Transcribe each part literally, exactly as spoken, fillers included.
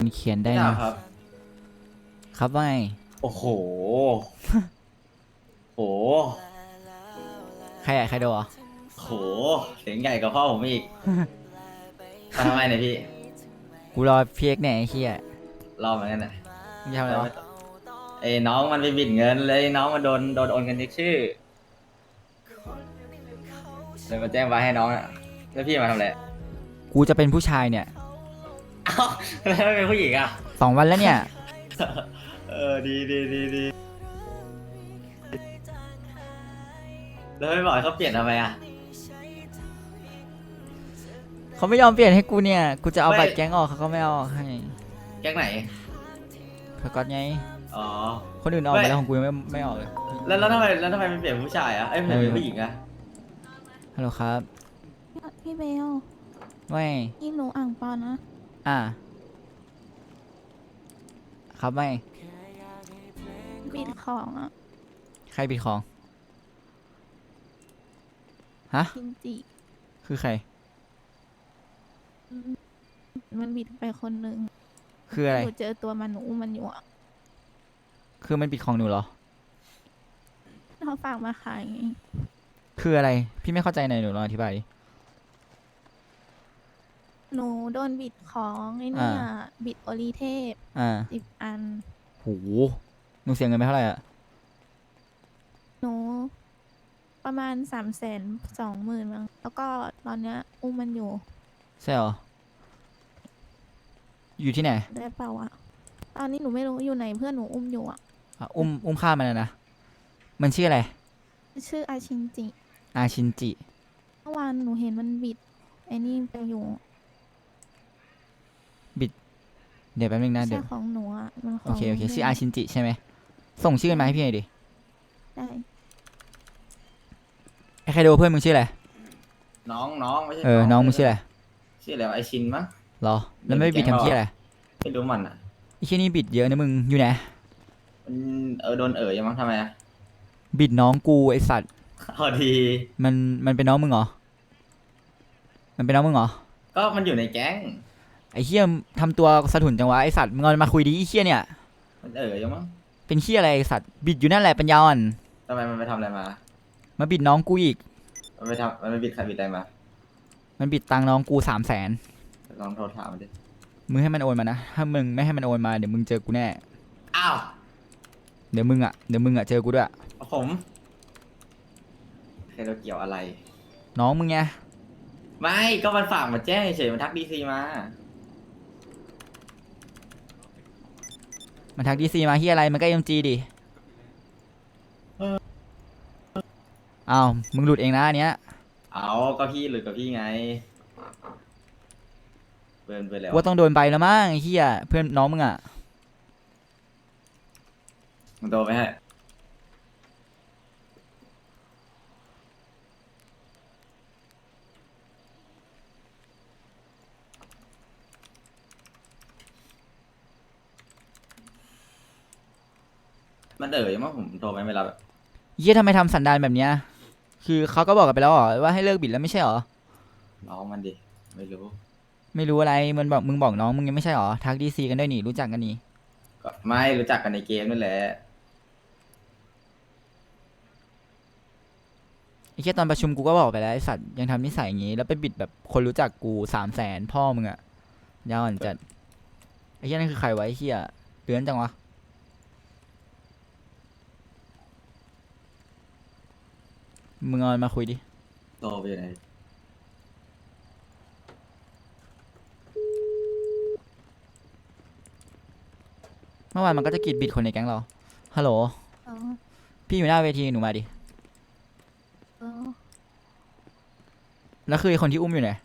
เขียนได้พี่ดานะบครับครับว่าไงโอ้โหโหใครอะใครโดนเหรอโหเสียงใหญ่กว่าพ่อผมอีกมาทำไมเนี่ยพี่กูรอพีเอ็กเนี่ยไอ้เหี้ยรอเหมือนกันนะมึงจะทำอะไรวะแล้วไม่ต้องไอ้น้องมันไปบิดเงินเลยน้องมันโดนโดนโอนเงินเช็คชื่อเลยมาแจ้งไว้ให้น้องอ่ะแล้วพี่มาทำอะไรกูจะเป็นผู้ชายเนี่ยเอ้าแล้วไม่เป็นผู้หญิงอ่ะสองวันแล้วเนี่ยเออดีดีดีดีแล้วไม่บอกให้เขาเปลี่ยนทำไมอ่ะเขาไม่ยอมเปลี่ยนให้กูเนี่ยกูจะเอาไม่บัตรแก๊งออกเขาก็ไม่เอาออกให้แก๊งไหนสกอตไงอ๋อคนอื่นออกไม่ไปแล้วของกูยังไม่ไม่ออกเลยแล้วแล้วทำไมแล้วทำไมไม่เปลี่ยนเป็นผู้ชายอ่ะเอ้ยไม่เป็นผู้หญิงอ่ะฮัลโหลครับพี่เบลไม่พี่หนูอ่างเปานะอ่าครับไม่บิดของอ่ะใครปิดของฮะกินจิคือใครอืมมันบิดไปคนหนึ่งคืออะไรหนูเจอตัวมันหนูอุ้มมันอยู่อ่ะคือมันปิดของหนูเหรอเขาฝากมาขายไงคืออะไรพี่ไม่เข้าใจหน่อยหนูลองอธิบายดิหนูโดนบิดของไอ้เนี่ยอ่าบิดโอรีเทพอ่าสิบอันโหหนูเสียเงินไปเท่าไหร่อะหนูประมาณสามแสนสองหมื่นมั้งแล้วก็ตอนเนี้ยอุ้มมันอยู่ใช่เหรออยู่ที่ไหนได้เปล่าอ่ะ ตอนนี้หนูไม่รู้อยู่ไหนเพื่อนหนูอุ้มอยู่อ่ะอ่ะอุ้มอุ้มฆ่ามันอะนะมันชื่ออะไรชื่ออาชินจิอาชินจิเมื่อวานหนูเห็นมันบิดไอ้นี่ไปอยู่เดี๋ยวแป๊บนึงนะเดี๋ใช่ยวของหนูอ่ะมันขโอองเคโอเคพื่นชื่ออาชินจิใช่ไหมส่งชื่อมาให้พี่หน่อยดิได้ไอ้ใครดูเพื่อนมึงชื่ออะไรน้องน้องไม่ใช่เออน้องมึงชื่ออะไรชื่ออะไรวะไอชินมั้งเหรอแล้วไม่บิดทำที่อะไรไม่รู้มันอ่ะไอ้ที่นี่บิดเยอะนะมึงอยู่ไหนมันเออโดนเอ๋ยยังมั้งทำไมอ่ะบิดน้องกูไอสัตว์พอดีมันมันเป็นน้องมึงเหรอมันเป็นน้องมึงเหรอก็มันอยู่ในแก๊งไอ้เฮียทำตัวสะทุนจังวะไอสัตว์มึงเอามาคุยดิไอ้เฮียเนี่ยมันเอ๋ยยังมั้งเป็นเฮียอะไรไอ้สัตว์บิดอยู่นั่นแหละปัญญาอ่อนทำไมมันไปทำอะไรมามาบิดน้องกูอีกมันไปทำมันไปบิดใครบิดอะไรมามันบิดตังค์น้องกูสามแสนลองโทรถามมันดิมึงให้มันโอนมานะถ้ามึงไม่ให้มันโอนมาเดี๋ยวมึงเจอกูแน่อ้าวเดี๋ยวมึงอ่ะเดี๋ยวมึงอ่ะเจอกูด้วยผมใครเราเกี่ยวอะไรน้องมึงไงไม่ก็มันฝากมาแจ้งเฉยๆมันทักดีซีมามันทักดีซีมาเฮียอะไรมันก็เอ็มจีดิอ้าวมึงหลุดเองนะอันเนี้ยเอาก็พี่หรือกับพี่ไงเบิร์นไปแล้วว่าต้องโดนใบแล้วมั้งไอ้เฮียเพื่อนน้องมึงอ่ะมันโตไปให้มันเอ๋ยมั้งผมโทรไปไม่รับเฮียทำไมทำสันดานแบบเนี้ยคือเขาก็บอกกันไปแล้วเหรอว่าให้เลิกบิดแล้วไม่ใช่เหรอน้องมันดิไม่รู้ไม่รู้อะไรมันบอกมึงบอกน้องมึงยังไม่ใช่เหรอทักดีซีกันด้วยนี่รู้จักกันนี่ก็ไม่รู้จักกันในเกมนั่นแหละไอ้เฮียตอนประชุมกูก็บอกไปแล้วไอ้สัตว์ยังทำนิสัยอย่างงี้แล้วไปบิดแบบคนรู้จักกูสามแสนพ่อมึงอ่ะยาวอ่อนจัดไอ้เฮียนั่นคือใครวะไอ้เฮียเดือนจังวะมึงเอามันมาคุยดิโตไปไหนเมื่อวานมันก็จะกรีดบิดคนในแก๊งเราฮัลโหลเออพี่อยู่หน้าเวทีหนูมาดิเออแล้วคือไอ้คนที่อุ้มอยู่ไหน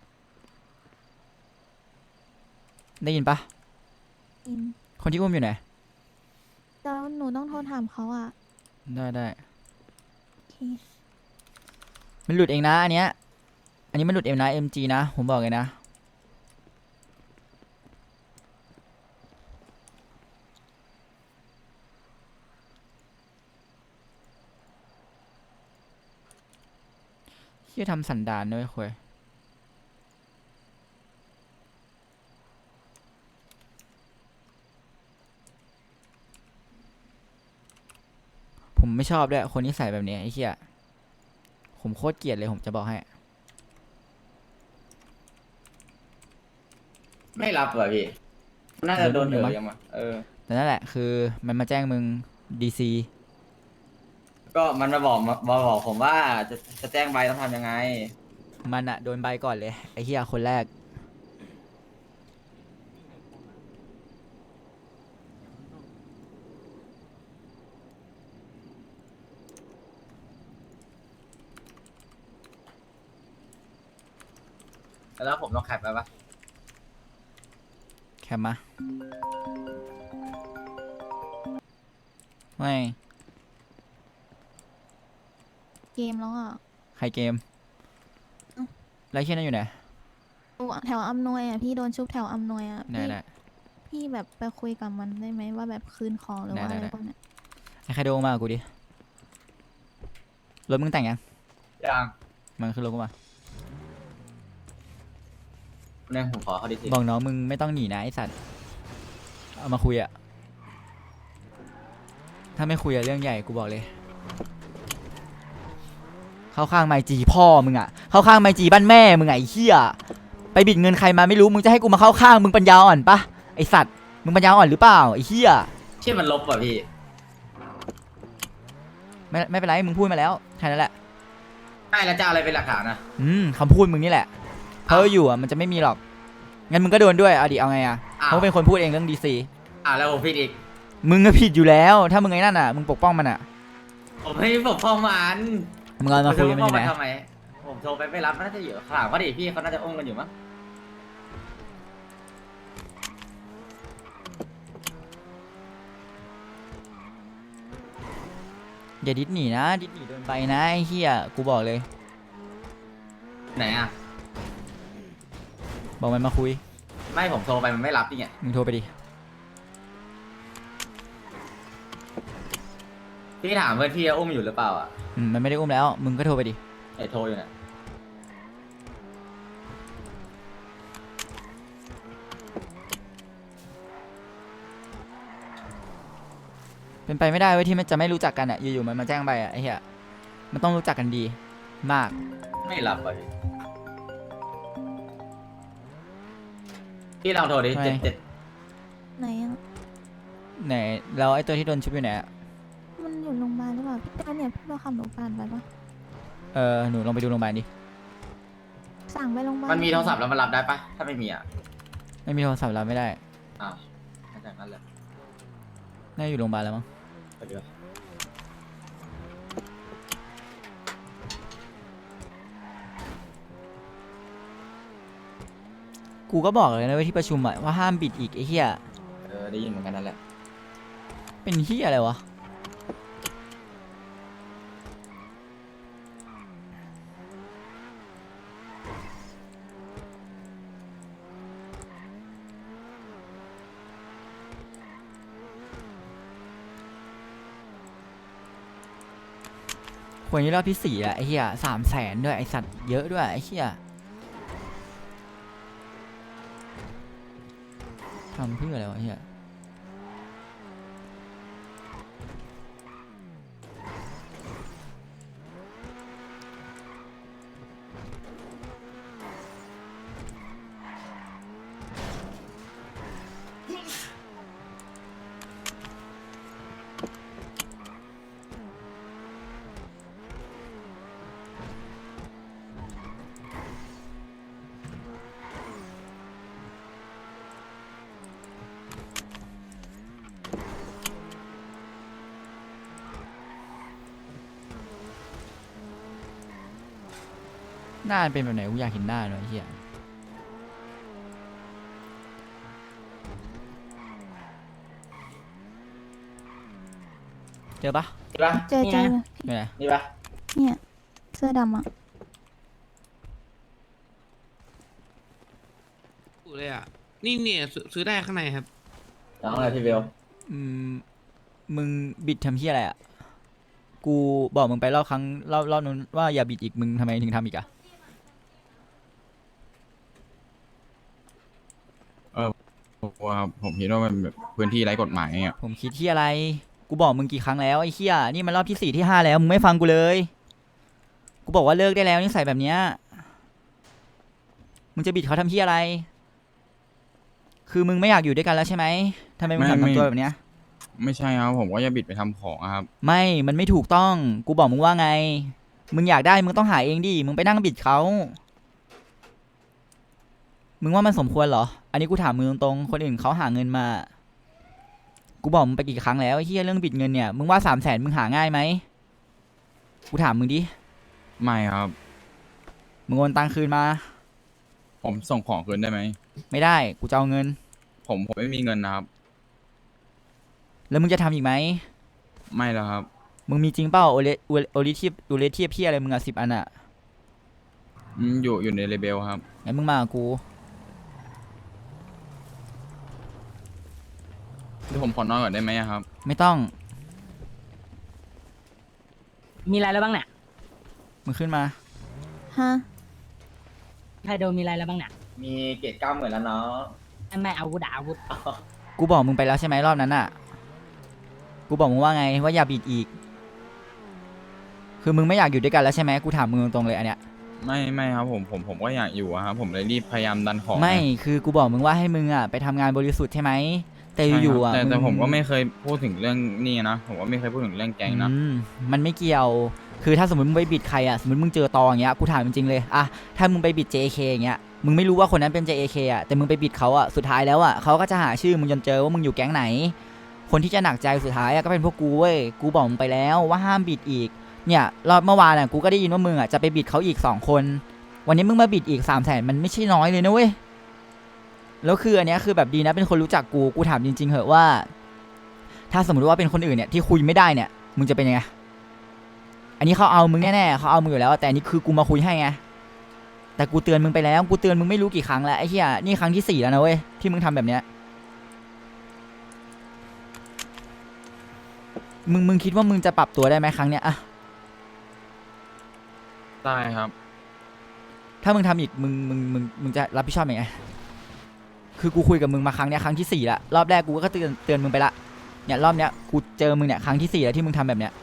ได้ยินปะอินคนที่อุ้มอยู่ไหนแล้วหนูต้องโทรถามเขาอ่ะได้ได้โอเคมันหลุดเองนะอันเนี้ยอันนี้มันหลุดเองนะ เอ็ม จี นะผมบอกเลยนะที่ทำสันดานด้วยคุยผมไม่ชอบด้วยคนที่ใส่แบบนี้ไอ้เหี้ยผมโคตรเกลียดเลยผมจะบอกให้ไม่รับเหรอพี่ น่าจะโดนโดนอยู่เอ๋มั้ยงยังมาเออแต่นั่นแหละคือมันมาแจ้งมึงดีซีก็มันมาบอกมามาบอกผมว่าจะจะแจ้งใบต้องทำยังไงมันอะโดนใบก่อนเลยไอ้เหี้ยคนแรกแล้วผมต้องแคปไปปะแคมมาไม่เกมแล้วอ่ะใครเกมเอ้าแล้วไอ้เหี้ยนั่นอยู่ไหนแถวอำนวยอ่ะพี่โดนชุบแถวอำนวยอ่ะไหนพี่ไหนพี่แบบไปคุยกับมันได้ไหมว่าแบบคืนของหรือว่าได้อะไรได้พวกเนี้ยไอ้ใครโดนมากับกูดิรถมึงแต่งยังยังมันขึ้นรถกูมาเนี่ยผมขอเขาดิทีบอกน้องมึงไม่ต้องหนีนะไอสัตว์เอามาคุยอะถ้าไม่คุยอะเรื่องใหญ่กูบอกเลย เข้าข้างไมจีพ่อมึงอะเข้าข้างไมจีบ้านแม่มึงไงไอ้เหี้ยไปบิดเงินใครมาไม่รู้มึงจะให้กูมาเข้าข้างมึงปัญญาอ่อนปะไอสัตว์มึงปัญญาอ่อนหรือเปล่าไอเหี้ยชื่อมันลบป่ะพี่ไม่ไม่เป็นไรมึงพูดมาแล้วแค่นั้นแหละไม่แล้วจะเอาอะไรเป็นหลักฐานนะอืมคำพูดมึงนี่แหละเพราะอยู่อะมันจะไม่มีหรอกงั้นมึงก็โดนด้วยเอาดิเอาไงอะอ้าเพวราะเป็นคนพูดเองเรื่องดีซีอ่าแล้วผมผิดอีกมึงก็ผิดอยู่แล้ว ถ้ามึงไอ้นั่นอะมึงปกป้องมันอะผมไม่ปกป้องมันมึงเอามาคุยกันผมันอยู่ไหนปกป้งทำไม ผมโทรไปไม่รับมันน่าจะอยู่ข้างหลังเขาดิพี่เขาน่าจะอุ้มกันอยู่มั้งอย่าดิสหนีนะดิสหนีโดนใบนะไอ้เหี้ยกูบอกเลยไหนอ่ะบอกมันมาคุยไม่ผมโทรไปมันไม่รับนี่ไงมึงโทรไปดิพี่ถามเพื่อนพี่ว่าอุ้มอยู่หรือเปล่าอ่ะอืมมันไม่ได้อุ้มแล้ว มึงก็โทรไปดิไอ้โทรอยู่เนี่ยเป็นไปไม่ได้เว้ยที่มันจะไม่รู้จักกันอ่ะอยู่ๆมันมาแจ้งใบอ่ะไอ้เหี้ยมันต้องรู้จักกันดีมากไม่รับอ่ะพี่พี่ลองโทรดิไม่เจ็ดเจ็ดไหนอ่ะไหนแล้วไอ้ตัวที่โดนชุบอยู่ไหนอะมันอยู่โรงพยาบาลหรือเปล่าพี่ตาเนี่ยพี่เราขับรถผ่านไปปะเออหนูลองไปดูโรงพยาบาลดิสั่งไปโรงพยาบาลมันมีโทรศัพท์แล้วมันรับได้ปะถ้าไม่มีอ่ะไม่มีโทรศัพท์รับไม่ได้อ้าวน่าจะงั้นแหละน่าอยู่โรงพยาบาลแล้วมั้งไปดีกว่ากูก็บอกเลยนะเว้ยที่ประชุมอ่ะว่าห้ามบิดอีกไอ้เหี้ยเออได้ยินเหมือนกันนั่นแหละเป็นเหี้ยอะไรวะคนนี้รอบที่สี่อะไอ้เหี้ยสามแสนด้วยไอ้สัตว์เยอะด้วยไอ้เหี้ยทำเพื่ออะไรวะไอ้เหี้ยหน้ามันเป็นแบบไหนกูอยากเห็นหน้าเลยไอ้เหี้ยเจอปะนี่ปะเจอเจออยู่ไหนนี่ปะเนี่ยเสื้อดำอ่ะถูกเลยอ่ะ นี่เนี่ยซื้อซื้อได้ข้างในครับน้องอะไรพี่เบลอืมมึงบิดทำเหี้ยอะไรอ่ะกูบอกมึงไปรอบครั้งรอบรอบนู้นว่าอย่าบิดอีกมึงทำไมถึงทำอีกอะว่าผมคิดว่ามันแบบพื้นที่ไร้กฎหมายอ่ะผมคิดที่อะไร กูกูบอกมึงกี่ครั้งแล้วไอ้เหี้ยนี่มันรอบที่สี่ที่ห้าแล้วมึงไม่ฟังกูเลยกูบอกว่าเลิกได้แล้วนิสัยแบบเนี้ยมึงจะบิดเขาทำเหี้ยอะไรคือมึงไม่อยากอยู่ด้วยกันแล้วใช่ไหมทำไมมึงไม่ทำไม่ตัวแบบเนี้ยไม่ใช่ครับผมก็จะบิดไปทำของอะครับไม่มันไม่ถูกต้องกูบอกมึงว่าไงมึงอยากได้มึงต้องหาเองดิมึงไปนั่งบิดเขามึงว่ามันสมควรเหรออันนี้กูถามมึงตรงๆคนอื่นเขาหาเงินมากูบอกมึงไปกี่ครั้งแล้วไอ้เหี้ยเรื่องบิดเงินเนี่ยมึงว่าสามแสนมึงหาง่ายไหมกูถามมึงดิไม่ครับมึงโอนตังคืนมาผมส่งของคืนได้ไหมไม่ได้กูจะเอาเงินผมผมไม่มีเงินนะครับแล้วมึงจะทำอีกไหมไม่แล้วครับมึงมีจริงเปล่าโอเลโอโอลิทีฟโอเลทีฟพี่อะไรมึงอะสิบอันอะอืมอยู่อยู่ในเลเบลครับงั้นมึงมากับกูเดี๋ยวผมขอนอนก่อนได้ไหมอะครับไม่ต้องมีอะไรแล้วบ้างเนี่ยมึงขึ้นมาฮะไทโดมีอะไรแล้วบ้างเนี่ยมีเกรดเก้าหมื่นแล้วเนาะไม่ไม่อาวุธอะอาวุธกูบอกมึงไปแล้วใช่ไหมรอบนั้นอะกูบอกมึงว่าไงว่าอย่าบิดอีก คือมึงไม่อยากอยู่ด้วยกันแล้วใช่ไหมกูถามมึงตรงๆเลยอันเนี้ยไม่ไม่ครับผมผมผมก็อยากอยู่อะครับผมเลยรีบพยายามดันของไม่งคือกูบอกมึงว่าให้มึงอะไปทำงานบริสุทธิ์ใช่ไหมแต่ใช่ครับอยู่ๆอะแต่แต่งผมก็ไม่เคยพูดถึงเรื่องนี้นะ ผมก็ไม่เคยพูดถึงเรื่องแก๊งนะอืมมันไม่เกี่ยว คือถ้าสมมติมึงไปบิดใครอะสมมติมึงเจอตออย่างเงี้ย กูถามจริงๆเลยอะถ้ามึงไปบิด เจ เค อย่างเงี้ย มึงไม่รู้ว่าคนนั้นเป็น เจ เค อะแต่มึงไปบิดเขาอะสุดท้ายแล้วอะเขาก็จะหาชื่อมึงจนเจอว่ามึงอยู่แก๊งไหน คนที่จะหนักใจสุดท้ายอะก็เป็นพวกกูเว้ย กูบอกมึงไปแล้วว่าห้ามบิดอีก เนี่ยรอบเมื่อวานอะกูก็ได้ยินว่ามึงอะจะไปบิดเขาอีกสองคน วันนี้มึงมาบิดอีกสามแสนมันไม่ใช่น้อยเลยนะเว้ย แล้วคืออันเนี้ยคือแบบดีนะเป็นคนรู้จักกู กูถามจริงๆเหอะว่า ถ้าสมมติว่าเป็นคนอื่นเนี่ยที่คุยไม่ได้เนี่ย มึงจะเป็นยังไง อันนี้เขาเอามึงแน่ๆเขาเอามึงอยู่แล้ว แต่อันนี้คือกูมาคุยให้ไง แต่กูเตือนมึงไปแล้ว กูเตือนมึงไม่รู้กี่ครั้งแล้วไอ้เหี้ยนี่ครั้งที่สี่แล้วนะเว้ยที่มึงทำแบบเนี้ย มึงมึงคิดว่ามึงจะปรับตัวได้ไหมครั้งเนี้ยอะได้ครับถ้ามึงทำอีกมึงมึงมึงมึงจะรับผิดชอบยังไง คือกูคุยกับมึงมาครั้งเนี้ยครั้งที่สี่ละรอบแรกกูก็เตือนเตือนมึงไปละเนี่ยรอบเนี้ยกูเจอมึงเนี่ยครั้งที่สี่แล้วที่มึงทำแบบเนี้ย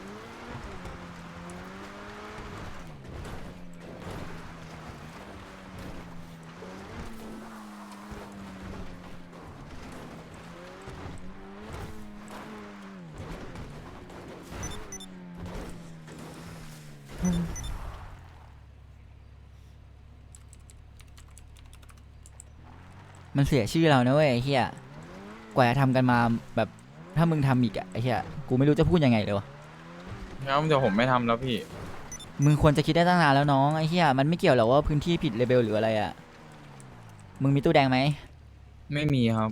มันเสียชื่อเรานะเว้ยไอ้เฮียกว่าจะทำกันมาแบบถ้ามึงทำอีกอะไอ้เฮียกูไม่รู้จะพูดยังไงเลยวะงั้นเดี๋ยวผมไม่ทำแล้วพี่มึงควรจะคิดได้ตั้งนานแล้วน้องไอ้เฮียมันไม่เกี่ยวหรอกว่าพื้นที่ผิดเลเบลหรืออะไรอะมึงมีตู้แดงไหมไม่มีครับ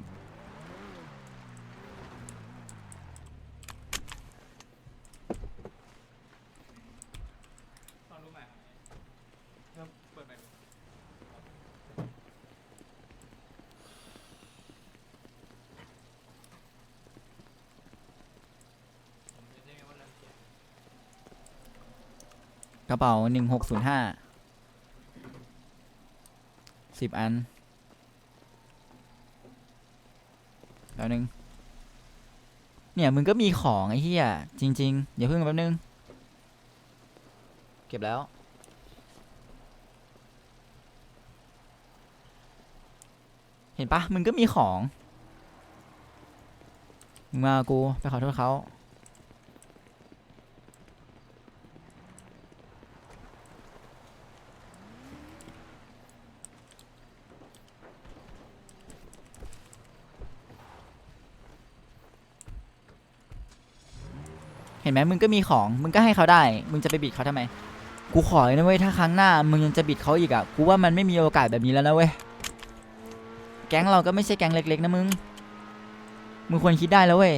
กระเป๋าหนึ่งหกศูนย์ห้าสิบอันแล้วนึงเนี่ยมึงก็มีของไอ้เหี้ยจริงๆอย่าเพิ่งแป๊บนึงเก็บแล้วเห็นปะมึงก็มีของมึงมากับกูไปขอโทษเขาเห็นไหมมึงก็มีของมึงก็ให้เขาได้มึงจะไปบิดเขาทำไมกูขอเลยนะเว้ยถ้าครั้งหน้ามึงยังจะบิดเขาอีกอ่ะกูว่ามันไม่มีโอกาสแบบนี้แล้วนะเว้ยแก๊งเราก็ไม่ใช่แก๊งเล็กๆนะมึงมึงควรคิดได้แล้วเว้ย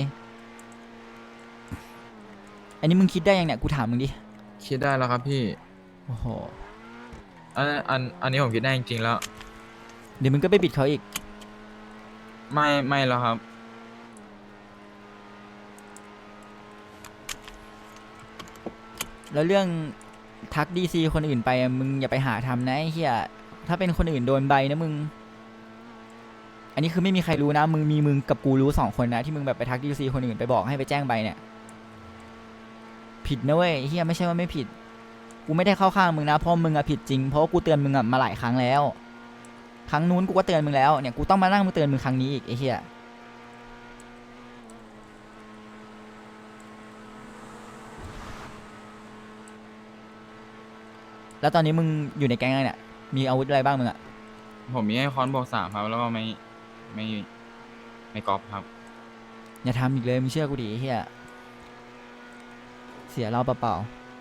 อันนี้มึงคิดได้ยังเนี่ยกูถามมึงดิคิดได้แล้วครับพี่โอ้โหอันอันอันนี้ผมคิดได้จริงๆแล้วเดี๋ยวมึงก็ไปบิดเขาอีกไม่ไม่แล้วครับแล้วเรื่องทักดีซีคนอื่นไปอะมึงอย่าไปหาทำนะไอ้เหี้ยถ้าเป็นคนอื่นโดนใบนะมึง อันนี้คือไม่มีใครรู้นะมึงมีมึงกับกูรู้สองคนนะที่มึงแบบไปทักดีซีคนอื่นไปบอกให้ไปแจ้งใบเนี่ยผิดนะเว้ยเฮียไม่ใช่ว่าไม่ผิดกูไม่ได้เข้าข้างมึงนะเพราะมึงอะผิดจริงเพราะว่ากูเตือนมึงอะมาหลายครั้งแล้วครั้งนู้นกูก็เตือนมึงแล้วเนี่ยกูต้องมานั่งมาเตือนมึงครั้งนี้อีกไอ้เฮียแล้วตอนนี้มึงอยู่ในแก๊งอะไรเนี่ยมีอาวุธอะไรบ้างมึงอะผมมีไอ้คอนบอกสามครับ แล้วก็ไม่ไม่ไม่กอล์ฟครับอย่าทำอีกเลยมึงเชื่อกูดิไอ้เฮียเสียเราเปล่า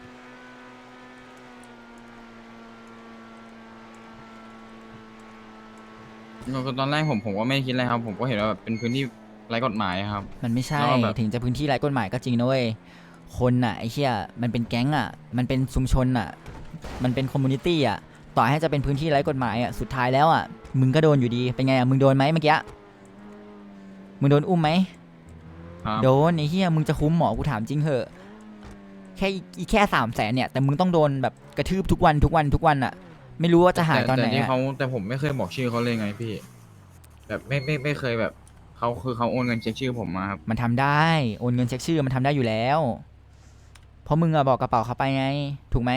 ก็ตอนแรกผมผมก็ไม่คิดอะไรครับ ผมก็เห็นว่าแบบเป็นพื้นที่ไร้กฎหมายครับๆมันไม่ใช่แล้วแบบถึงจะพื้นที่ไร้กฎหมายก็จริงนะเว้ยคนน่ะไอ้เฮียมันเป็นแก๊งอ่ะมันเป็นชุมชนอ่ะมันเป็นคอมมูนิตี้อ่ะต่อให้จะเป็นพื้นที่ไร้กฎหมายอ่ะสุดท้ายแล้วอ่ะมึงก็โดนอยู่ดีเป็นไงอ่ะมึงโดนไหมเมื่อกี้มึงโดนอุ้มไหมครับโดนไอ้เฮียมึงจะคุ้มหมอกูถามจริงเหอะแค่อีแค่สามแสนเนี่ยแต่มึงต้องโดนแบบกระทืบทุกวันทุกวันทุกวันอ่ะไม่รู้ว่าจะหายตอนไหนแต่ที่อะเขาแต่ผมไม่เคยบอกชื่อเขาเลยไงพี่ แบบไม่ไม่ไม่เคยแบบเขาคือเขาโอนเงินเช็คชื่อผมมาครับมันทำได้โอนเงินเช็คชื่อมันทำได้อยู่แล้ว เพราะมึงอะบอกกระเป๋าเขาไปไง ถูกไหม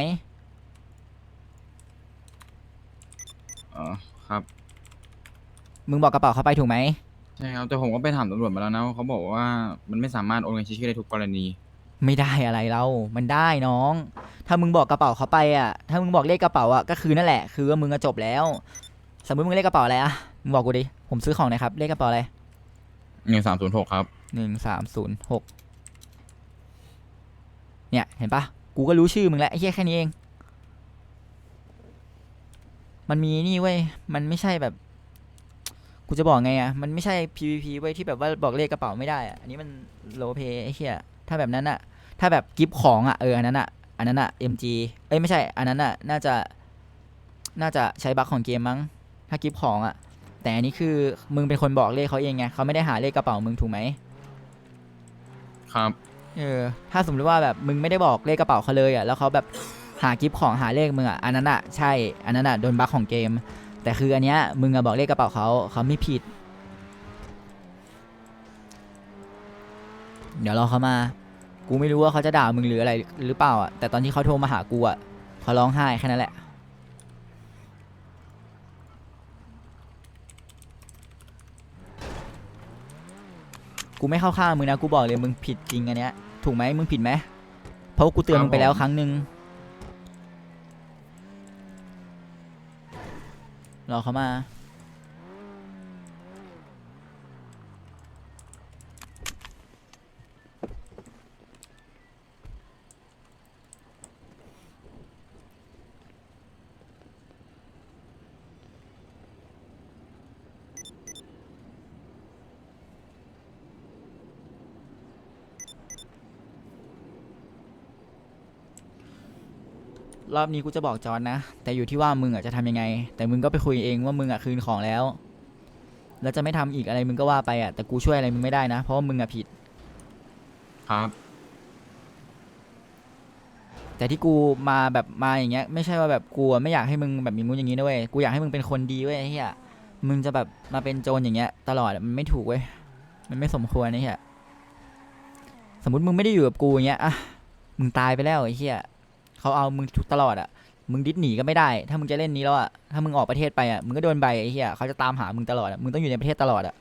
อ๋อครับมึงบอกกระเป๋าเขาไปถูกไหมใช่ครับแต่ผมก็ไปถามตำรวจมาแล้วนะเขาบอกว่ามันไม่สามารถโอนเงินเช็คชื่อได้ทุกกรณีไม่ได้อะไรเรามันได้น้อง ถ้ามึงบอกกระเป๋าเขาไปอะถ้ามึงบอกเลขกระเป๋าอะก็คือนั่นแหละ คือว่ามึงก็จบแล้ว สมมติมึงเลขกระเป๋าอะไรอะมึงบอกกูดิ ผมซื้อของหนะครับ เลขกระเป๋าอะไรหนึ่งสามศูนย์หกครับหนึ่งสามศูนย์หกเนี่ยเห็นปะกูก็รู้ชื่อมึงแล้วไอ้แค่แค่นี้เอง มันมีนี่เว้ย มันไม่ใช่แบบ กูจะบอกไงอะมันไม่ใช่ พี วี พี เว้ยที่แบบว่าบอกเลขกระเป๋าไม่ได้อะอันนี้มันโลเพไอ้เหี้ยถ้าแบบนั้นอะถ้าแบบกิฟต์ของอะเอออันนั้นอะอันนั้นอะ เอ็ม จี เอ้ยไม่ใช่ อันนั้นอะน่าจะ น่าจะใช้บั๊กของเกมมั้ง ถ้ากิฟต์ของอะแต่อันนี้คือมึงเป็นคนบอกเลขเขาเองไงเขาไม่ได้หาเลขกระเป๋ามึงถูกไหมครับเออ ถ้าสมมติว่าแบบมึงไม่ได้บอกเลขกระเป๋าเขาเลยอะแล้วเขาแบบหากิฟต์ของหาเลขมึงอะอันนั้นอะใช่ อันนั้นอะโดนบั๊กของเกม แต่คืออันเนี้ยมึงอะบอกเลขกระเป๋าเขาเขาไม่ผิด เดี๋ยวรอเขามา กูไม่รู้ว่าเขาจะด่ามึงหรืออะไรหรือเปล่าอะแต่ตอนที่เขาโทรมาหากูอะเขาร้องไห้แค่นั้นแหละ กูไม่เข้าข้างมึงนะกูบอกเลยมึงผิดจริงอันเนี้ยถูกไหมมึงผิดไหมเพราะว่ากูเตือนมึงไปแล้วครั้งหนึ่งรอเขามา รอบนี้กูจะบอกจอนนะแต่อยู่ที่ว่ามึงอ่ะจะทำยังไง แต่มึงก็ไปคุยเองว่ามึงอ่ะคืนของแล้ว แล้วจะไม่ทำอีกอะไรมึงก็ว่าไปอ่ะแต่กูช่วยอะไรมึงไม่ได้นะเพราะว่ามึงอ่ะผิดครับแต่ที่กูมาแบบมาอย่างเงี้ยไม่ใช่ว่าแบบกูอะไม่อยากให้มึงแบบมีมุ้นอย่างนี้นะเว้ยกูอยากให้มึงเป็นคนดีเว้ยไอ้เหี้ยมึงจะแบบมาเป็นโจรอย่างเงี้ยตลอดอะมันไม่ถูกเว้ยมันไม่สมควรไอ้เหี้ยสมมติมึงไม่ได้อยู่กับกูอย่างเงี้ยอะมึงตายไปแล้วไอ้เหี้ยเขาเอามึงทุกตลอดอะมึงดิ้นหนีก็ไม่ได้ ถ้ามึงจะเล่นนี้แล้วอะถ้ามึงออกประเทศไปอะมึงก็โดนใบไอ้เหี้ยเขาจะตามหามึงตลอดอะมึงต้องอยู่ในประเทศตลอดอะ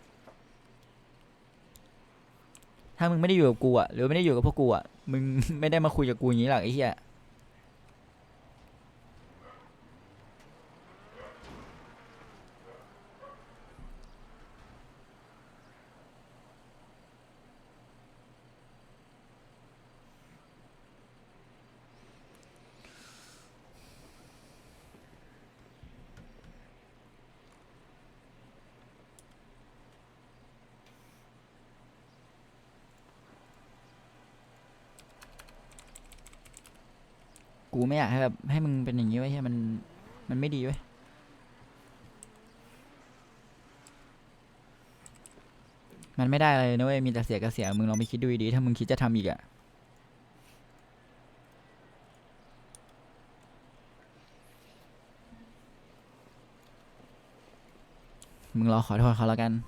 ถ้ามึงไม่ได้อยู่กับกูอะหรือไม่ได้อยู่กับพวกกูอะมึง ไม่ได้มาคุยกับกูอย่างนี้หรอกไอ้เหี้ย กูไม่อยากให้แบบให้มึงเป็นอย่างนี้ไว้ยให้มันมันไม่ดีเว้ยมันไม่ได้เลยนะเว้ยมีแต่เสียกับเสียมึงลองไปคิดดูดีๆถ้ามึงคิดจะทำอีกอะมึงรอขอโทษเขาแล้วกัน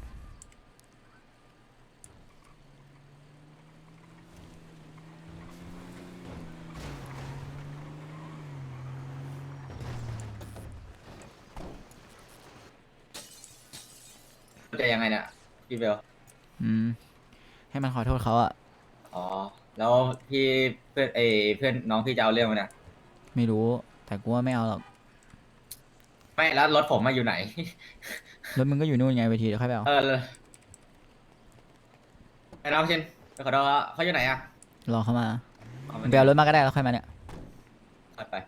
จะยังไงเนี่ยพี่เบลอืม ให้มันขอโทษเขาอะอ๋อ แล้วพี่เพื่อนเอยเพื่อนน้องพี่จะเอาเรื่องมันเนี่ยไม่รู้ แต่กูว่าไม่เอาหรอกไม่แล้วรถผมมาอยู่ไหนรถมึงก็อยู่นู่นไงเวทีเดี๋ยวค่อยไปเอาเออไอ้น้องเชนไปขอโทษเขาเขาอยู่ไหนอะรอเขามาอ๋อมึงไปเอารถมาก็ได้แล้วค่อยมาเนี่ยไปไป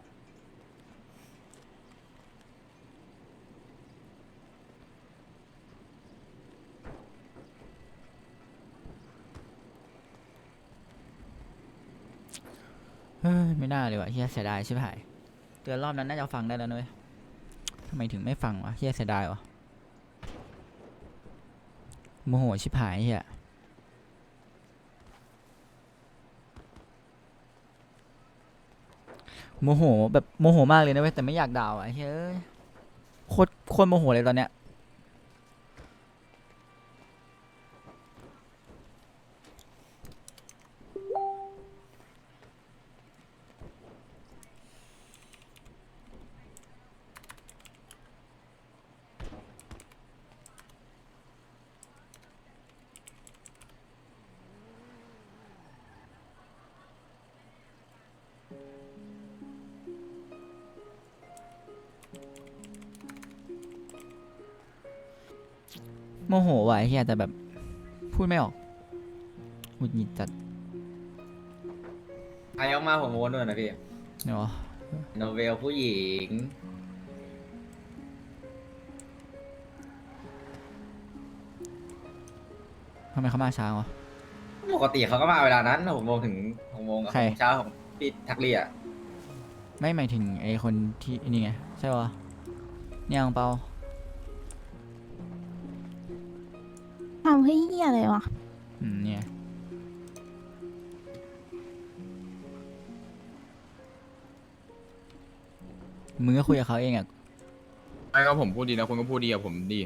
เฮ้ยไม่น่าเลยว่ะเฮียเสียดายชิบหายเตือนรอบนั้นน่าจะฟังได้แล้วนุ้ยทำไมถึงไม่ฟังวะเฮียเสียดายวะโมโหชิบหายเฮียโมโหแบบโมโหมากเลยนะเว้ยแต่ไม่อยากด่าอ่ะเฮ้ยโคตรโคตรโมโหเลยตอนเนี้ยโมโหว่ะไอ้เฮียแต่แบบพูดไม่ออกหงุดหงิดจัดใครออกมาผมโวนด้วยนะพี่เนาะโนเวลผู้หญิงทำไมเขามาช้าวะปกติเขาก็มาเวลานั้นหกโมงถึงหกโมงใครเช้าของพี่ทักเรียไม่หมายถึงไอ้คนที่นี่ไงใช่ปะเนี่ยอังเปาทำให้เหี้ยอะไรวะอืมเนี่ยมึงก็คุยกับเขาเองอ่ะไม่ก็ผมพูดดีนะคุณก็พูดดีกับผมดี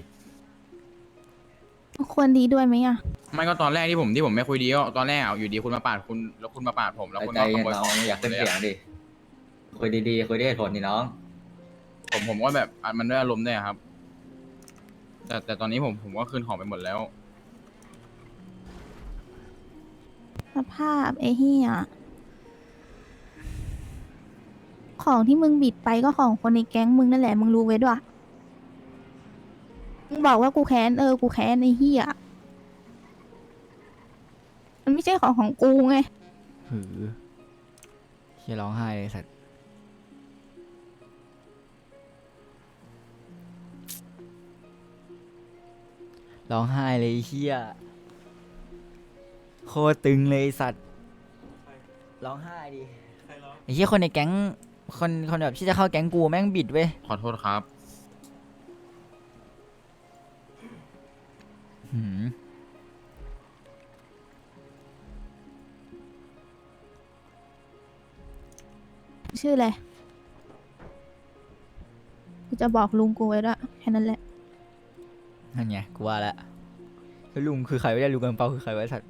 ควรดีด้วยไหมอะไม่ก็ตอนแรกที่ผมที่ผมไม่คุยดีก็ตอนแรกเอาอยู่ดีคุณมาปาดคุณแล้วคุณมาปาดผมแล้วคุณใจก็ขเย็นโมยน้ขออง งอยากเต้นเสียงดิ คุยดีๆ คุยด้วยเหตุผลดิน้องผมผมก็แบบอ่ะมันด้วยอารมณ์ด้วยครับ แต่แต่ตอนนี้ผมผมก็คืนของไปหมดแล้วสภาพไอ้เหี้ยของที่มึงบิดไปก็ของคนในแก๊งมึงนั่นแหละมึงรู้ไว้ด้วยมึงบอกว่ากูแค้นเออกูแค้นไอ้เหี้ยมันไม่ใช่ของของกูไงหือเฮียร้องไห้เลยสัตว์ร้องไห้เลยไอ้เฮียโคตรตึงเลยไอ้สัตว์ร้องไห้ดิไอ้เฮียคนในแก๊งคนคนแบบที่จะเข้าแก๊งกูแม่งบิดเว้ยขอโทษครับหืมชื่ออะไรกูจะบอกลุงกูไว้ด้วยแค่นั้นแหละนั่นไงกูว่าแล้วแล้วลุงคือใครไม่ได้ลุงกันเปาคือใครไวะไอ้สัตว์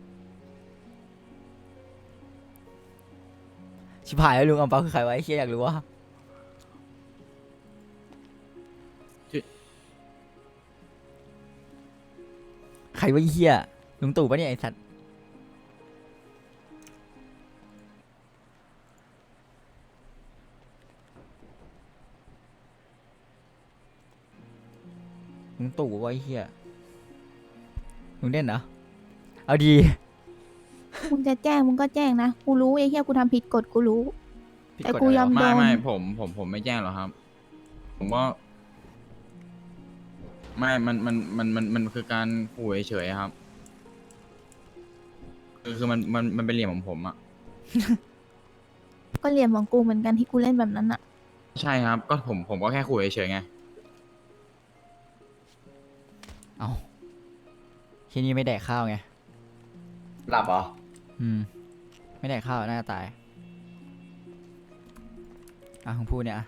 ชิบหายแล้วลุงอังเปาคือใครไวะไอ้เฮียอยากรู้ว่าชื่อใครวะไอ้เฮียลุงตู่ปะเนี่ยไอ้สัตว์ลุงตู่วะไอ้เฮียลุงเด่นเหรอเอาดีมึงจะแจ้งมึงก็แจ้งนะกูรู้ไอ้เหี้ยกูทำผิดกฎกูรู้ผิดแต่กฎกูอะไรยอมวะโดไม่นไม่ผมผมผมไม่แจ้งหรอกครับ ผมว่าไม่มันมันมันมันมันคือการขู่เฉยๆครับ คือคือมันมันมันเป็นเหลี่ยมของผมอะก็เหลี่ยมของกูเหมือนกันที่กูเล่นแบบนั้นอะใช่ครับ ก็ผมผมก็แค่ขู่เฉยๆไงเอาทีนี้ไม่แดกข้าวไงหลับเหรออืม ไม่แดกข้าวน่าจะตาย อ่ะของพูดเนี่ยอ่ะ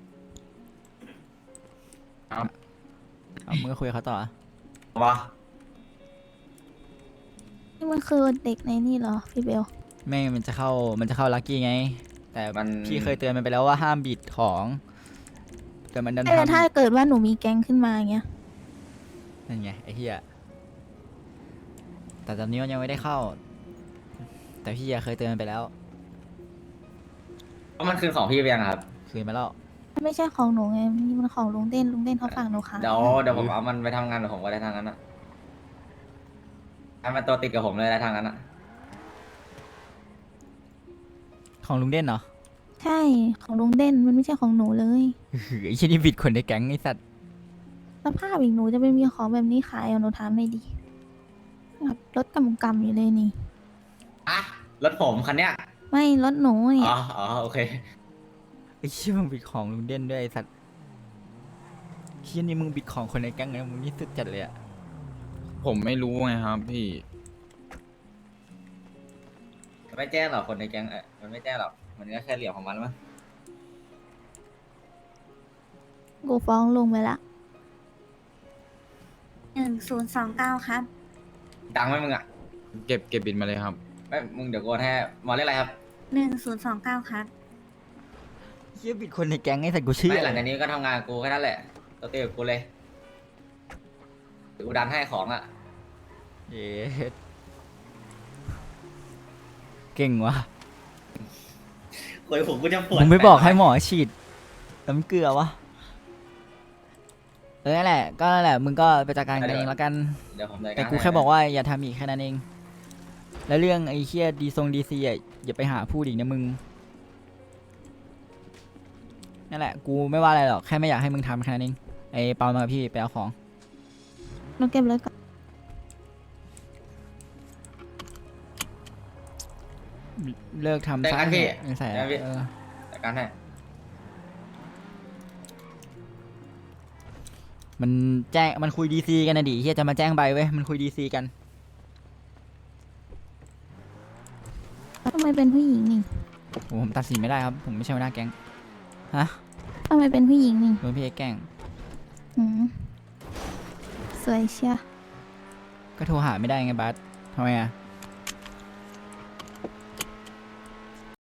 ครับเอามึงก็คุยกับเขาต่ออ่ะวะนี่มันคือเด็กในนี่เหรอพี่เบลแม่งมันจะเข้ามันจะเข้าลักกี้ไง แต่มันพี่เคยเตือนมันไปแล้วว่าห้ามบิดของ แต่มันดันแต่ถ้าทำเกิดว่าหนูมีแก๊งขึ้นมาอย่างเงี้ยนั่นไงไอ้เหี้ยแต่ตอนนี้มันยังไม่ได้เข้า แต่พี่อะเคยเตือนไปแล้วเพราะมันคืนของพี่ไปยังครับคืนไปแล้วมันไม่ใช่ของหนูไงนี่มันของลุงเด่นลุงเด่นเขาฝากหนูขายเดี๋ยวเดี๋ยวผมเอามันไปทำงานกับผมก็ได้ทางนั้นอะให้มันตัวติดกับผมเลยได้ทางนั้นอะของลุงเด่นเหรอใช่ของลุงเด่นมันไม่ใช่ของหนูเลยหือไอ้ชิ้นนี้บิดคนในแก๊งไอ้สัตว์สภาพอีกหนูจะไปมีของแบบนี้ขายเอาหนูถามเลยดิแบบรถกำกำอยู่เลยนี่อ่ะรถผมคันเนี้ยไม่รถหนูเนี่อ๋ยออ๋อโอเคไอ้เชี่ยมึงบิดของลุงเด่นด้วยไอ้สัตว์เชี่ยนี่มึงบิดของคนในแก๊งนะมึงนี่สุดจัดเลยอะผมไม่รู้ไงครับพี่ไม่แจ้งหรอกคนในแก๊งเออมันไม่แจ้งหรอกมันก็แค่เหลี่ยมของมันมั้งกูฟ้องลุงไปละหนึ่งศูนย์สองเก้าครับดังไหมมึงอ่ะเก็บเก็บบินมาเลยครับไม่มึงเดี๋ยวกูให้มาเรียกอะไรครับหนึ่งศูนย์สองเก้าครับเชี่ยบิดคนในแก๊งไอ้สัตว์กูเชื่อไม่หลังจากนี้ก็ทำงานกับกูแค่นั้นแหละตัวติดกับกูเลยเดี๋ยวกูดันให้ของอ่ะเย้เก่งว่ะคุยผมกูจะปวดมึงไม่บอกให้หมอฉีดน้ำเกลือวะเออนั่นแหละ ก็นั่นแหละ มึงก็ไปจัดการกันเองแล้วกันเดี๋ยวผมจัดารแต่กูแค่บอกว่าอย่าทำอีกแค่นั้นเอง แล้วเรื่องไอ้เคียดีทรงดีซีอ่ะอย่าไปหาพูดอีกนะมึง นั่นแหละ กูไม่ว่าอะไรหรอก แค่ไม่อยากให้มึงทำแค่นั้นเอง ไอ้เปามากับพี่ไปเอาของหนูเก็บรถก่อนเลิกทำได้ซะกันพี่ไม่ใส่ได้กันพี่เออจัดการให้มันแจ้ง มันคุยดีซีกันนะดิเฮียจะมาแจ้งใบเว้ย มันคุยดีซีกันทำไมเป็นผู้หญิงนี่โอ้ผมตัดสินไม่ได้ครับ ผมไม่ใช่หัวหน้าแก๊ง ฮะทำไมเป็นผู้หญิงนี่โดนพี่เอกแกล้งหืมสวยเชียก็โทรหาไม่ได้ไงบัสทำไมอ่ะ